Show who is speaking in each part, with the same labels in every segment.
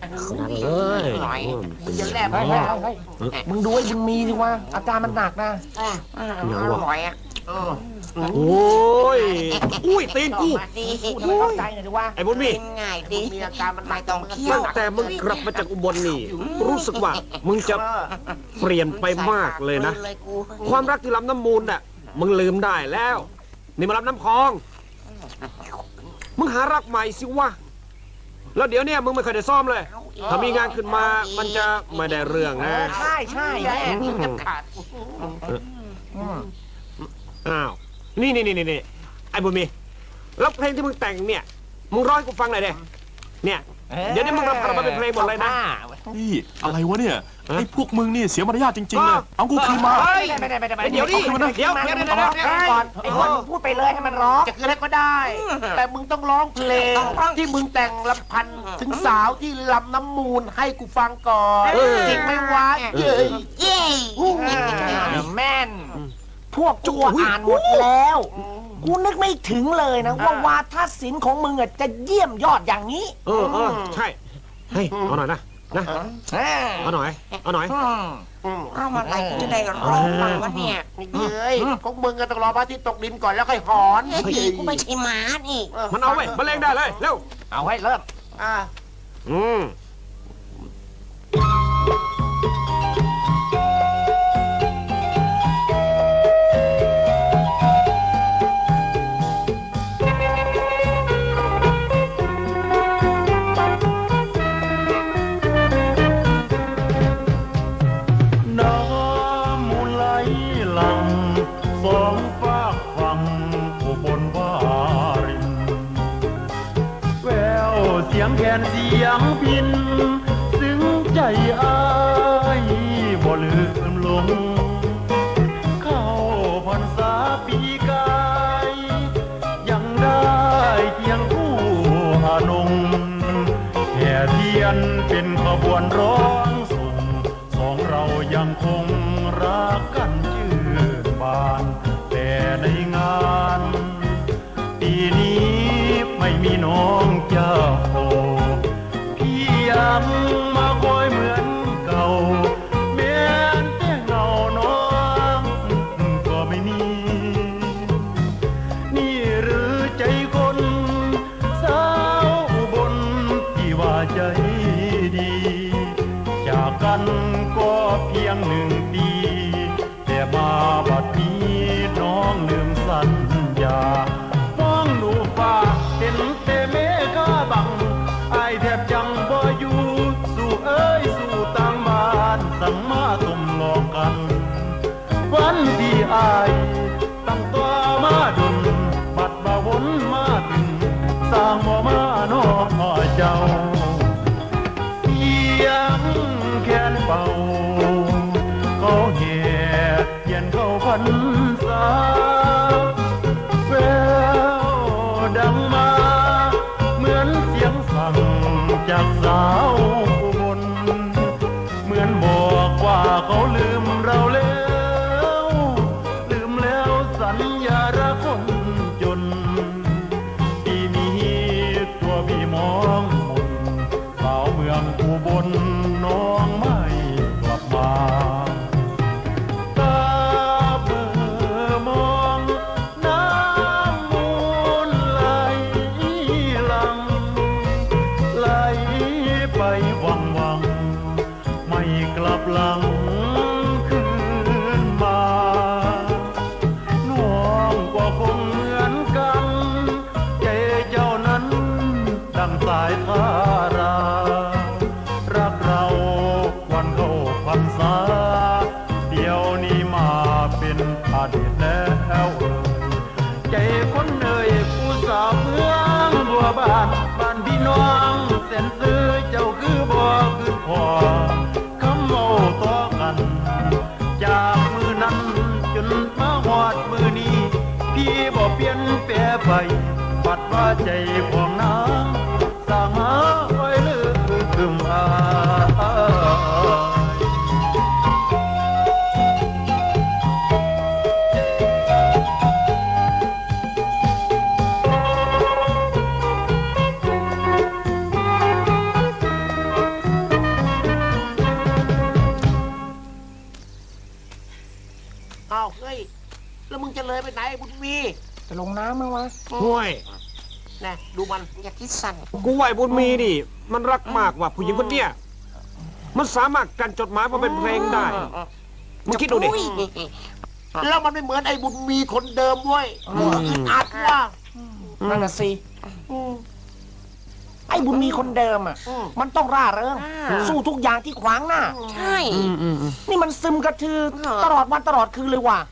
Speaker 1: นั่งเลย
Speaker 2: หน่อยมึงจะแลบ
Speaker 3: มึงดูไอ้บุญมีสิวะอาการมันหนักนะ
Speaker 2: อร่อยอ่ะ
Speaker 1: โอ้ยอุ้ยตีนกู
Speaker 3: ทำไมเข้าใจหน่อยดิวะ
Speaker 1: ไอ้บุญมี
Speaker 2: ง่ายดีมีอาการมันไม่ต้องเคี้ยว
Speaker 1: ตั้งแต่มึงกลับมาจากอุบลนี่รู้สึกว่ามึงจะเปลี่ยนไปมากเลยนะความรักที่ลำน้ำมูลน่ะมึงลืมได้แล้วนี่มาลำน้ำคลองมึงหารักใหม่สิวะแล้วเดี๋ยวเนี่ยมึงไม่เคยได้ซ่อมเลยถ้ามีงานขึ้นมามันจะไม่ได้เรื่องนะ
Speaker 3: ใช่ใช่แม่
Speaker 2: จะขาด
Speaker 1: อ้าวนี่ไอ้บุญมีแล้วเพลงที่มึงแต่งเนี่ยมึงร้องให้กูฟังหน่อยเด้เนี่ยเดี๋ยวนี้มึงรำมาเป็นเพลงหมดเลยนะ
Speaker 4: นี่อะไรวะเนี่ยไอ้พวกมึงนี่เสียมารยาทจริงๆเลยเอากูคืนมา
Speaker 3: ไม่ได้
Speaker 1: เดี๋ยวดิเดี๋ยว
Speaker 3: ก่อนไอ้คนมึงพูดไปเลยให้มันร้อง
Speaker 2: จะคืนให้ก็ได้ แต่มึงต้องร้องเพลงที่มึงแต่งลำพันถึงสาวที่ลำน้ำมูลให้กูฟังก่อนจริงไหมวะเย้เย้
Speaker 3: แม่นพวกจั่วอ่านหมดแล้วกูนึกไม่ถึงเลยนะว่าวาทศิลป์ของมึงจะเยี่ยมยอดอย่างนี้
Speaker 1: ใช่เฮ้ยเอาหน่อยนะเอาหน่อย
Speaker 2: เอามาอะไรจะได้ร้องฟังวะเนี่ยเฮ้ยของมึงก็ต้องรอพระอาทิตย์ตกดินก่อนแล้วค่อยหอนกูไม่ใช่หมานี่
Speaker 1: มันเอาไว้มาเล่นได้เลยเร็ว
Speaker 3: เอาให้เริ่ม
Speaker 5: เสียงพินซึ้งใจอ้ายบ่ลืมลงเข้าพรรษาปีกายยังได้เคียงคู่อานงแห่เทียนเป็นขบวนร้องส่งสองเรายังคงรักกันชื่นบานแต่ในงานปีนี้ไม่มีน้องเจ้ายังมาคอยเหมือนเก่าแม้แต่เงาน้องก็ไม่มีนี่หรือใจคนสาวบนที่ว่าใจดีจากกันก็เพียง1 ปีแต่มาบัดนี้น้องลืมสัญญามองดูฟ้าเห็นแต่เมฆบังไอแทบจังบ่อยู่สู่เอ้ยสู่ต่างบ้านสั่งมาตุ่มหลอกกันวันที่อายตั้งตัวมาดนบัดบ่วนมาถึงสร้างบ่มาน้อเจ้าเสียงแค้นเบาเขาแห่เทียนเข้าพรรษาแววดังมาเหมือนเสียงสั่งจากสาวอุบลเหมือนบอกว่าเขาลืมเราแล้วลืมแล้วสัญญารักคนจนปีนี้ตัวพี่มองมนสาวเมืองอุบลน้องไม่กลับมาตาเบื่อมองน้ำมูลไหลหลังไหลไปวังไม่กลับหลังคืนมาน้องก็คงเหมือนกันใจเจ้านั้นดังสายทารารักเราวันเข้าพรรษาเดี๋ยวนี้มาเป็นอดีตแล้วใจคนเอ่ยผู้สาวเมืองบัวบานพี่น้องเส้นซื้อเจ้าคือบ่คือพอคำเมาต่อกันจากมือนั้นจนมาหอดมือนี้พี่บ่เปลี่ยนแปรไปปัดว่าใจของนางสร้างหาไว้ลืมอาย
Speaker 2: อ้บุญมี
Speaker 3: จะลงน้ำมั้ยวะ
Speaker 1: ห่วย
Speaker 2: นะดูมัน
Speaker 6: อย่าคิดสั่น
Speaker 1: กูไหวบุญมีนี่ มันรักมากว่ะผู้หญิงคนเนี้ยมันสามารถกันจดหมายมาเป็นเพลงได้มึงคิดดูดิ
Speaker 6: อุ้ย
Speaker 2: แล้วมันไม่เหมือนไอ้บุญมีคนเดิมเว้ยกูอึดอัดว่า
Speaker 3: นั่นน่ะสิไอ้บุญมีคนเดิมอ่ะ มันต้องร่าเริงสู้ทุกอย่างที่ขวางหน้า
Speaker 6: ใช่
Speaker 3: นี่มันซึมกระทือตลอดวันตลอดคืนเลยว่ะ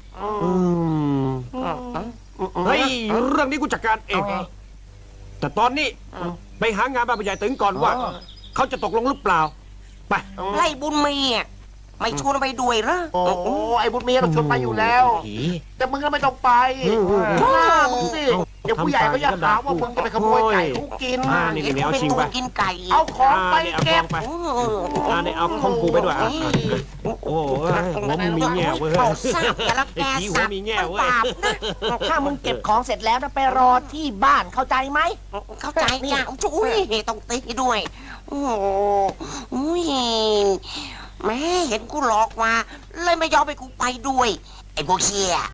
Speaker 1: เฮ้ยเรื่องนี้กูจัดการเอง
Speaker 3: เอาไง
Speaker 1: แต่ตอนนี้ไปหางานบ้านผู้ใหญ่ตึงก่อนว่า เขาจะตกลงหรือเปล่า ไป
Speaker 6: ไล่บุญมีอ่ะไม่ชวนไปด้วยเหรอ
Speaker 2: โอ้ไอ้บุญมีเราชวนไปอยู่แล้ว แต่มึงก็ไม่ต้องไปหน้ามึงสิเดี๋ยวผู้ใหญ่ก็จะหาว่ามึงจะไปขโมยไก่เขากิน
Speaker 1: นี่นี่เอา
Speaker 6: เป็น
Speaker 1: ชิง
Speaker 6: ตั
Speaker 1: ไป
Speaker 6: วกินไก่
Speaker 2: เอาของไป
Speaker 1: นี่เอา
Speaker 2: เก็
Speaker 1: ท
Speaker 2: บ
Speaker 1: องไป
Speaker 6: โอ้
Speaker 1: นี่เอาของกูไปด้วยโอ้หัวมึงมีแง่เว้ย
Speaker 6: เขาทราบแต่ละแก
Speaker 1: ไอ้ผีหัว
Speaker 6: สับ
Speaker 1: มีแง่
Speaker 6: มัน
Speaker 1: เว้ย
Speaker 6: บาปนะ
Speaker 3: ถ้ามึงเก็บของเสร็จแล้วนะไปรอที่บ้านเข้าใจไหม
Speaker 6: เข้าใจจ้ะอุ้ยต้องตีด้วย โอ้โหอุ้ยแม่เห็นกูหลอกมาเลยไม่ยอมไปกูไปด้วย ไอ้พวกเชี่ย